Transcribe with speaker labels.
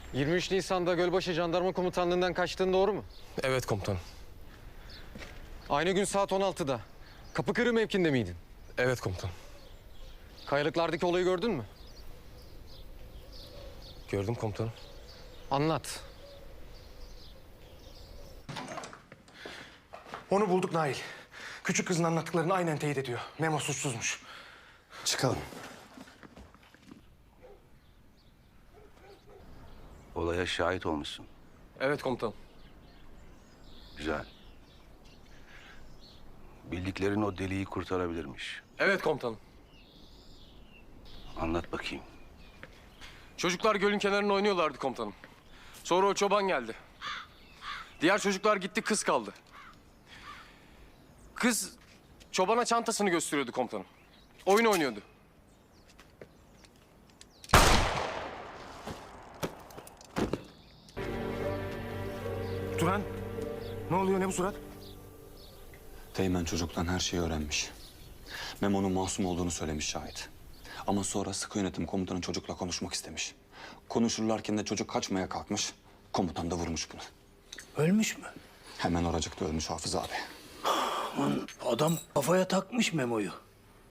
Speaker 1: 23 Nisan'da Gölbaşı Jandarma Komutanlığı'ndan kaçtığın doğru mu?
Speaker 2: Evet komutanım.
Speaker 1: Aynı gün saat 16'da Kapıkırı mevkinde miydin?
Speaker 2: Evet komutanım.
Speaker 1: Kayalıklardaki olayı gördün mü?
Speaker 2: Gördüm komutanım.
Speaker 1: Anlat.
Speaker 3: Onu bulduk Nail. Küçük kızın anlattıklarını aynen teyit ediyor. Memo suçsuzmuş.
Speaker 4: Çıkalım.
Speaker 5: Olaya şahit olmuşsun.
Speaker 2: Evet komutanım.
Speaker 5: Güzel. Bildiklerin o deliği kurtarabilirmiş.
Speaker 2: Evet komutanım.
Speaker 5: Anlat bakayım.
Speaker 2: Çocuklar gölün kenarında oynuyorlardı komutanım. Sonra o çoban geldi. Diğer çocuklar gitti, kız kaldı. Kız çobana çantasını gösteriyordu komutanım. Oyun oynuyordu.
Speaker 3: Turan, ne oluyor, ne bu surat?
Speaker 6: Teğmen çocuktan her şeyi öğrenmiş. Memo'nun masum olduğunu söylemiş şahit. Ama sonra sıkı yönetim komutanı çocukla konuşmak istemiş. Konuşurlarken de çocuk kaçmaya kalkmış. Komutan da vurmuş bunu.
Speaker 4: Ölmüş mü?
Speaker 6: Hemen oracıkta ölmüş Hafız abi.
Speaker 4: Adam kafaya takmış Memo'yu.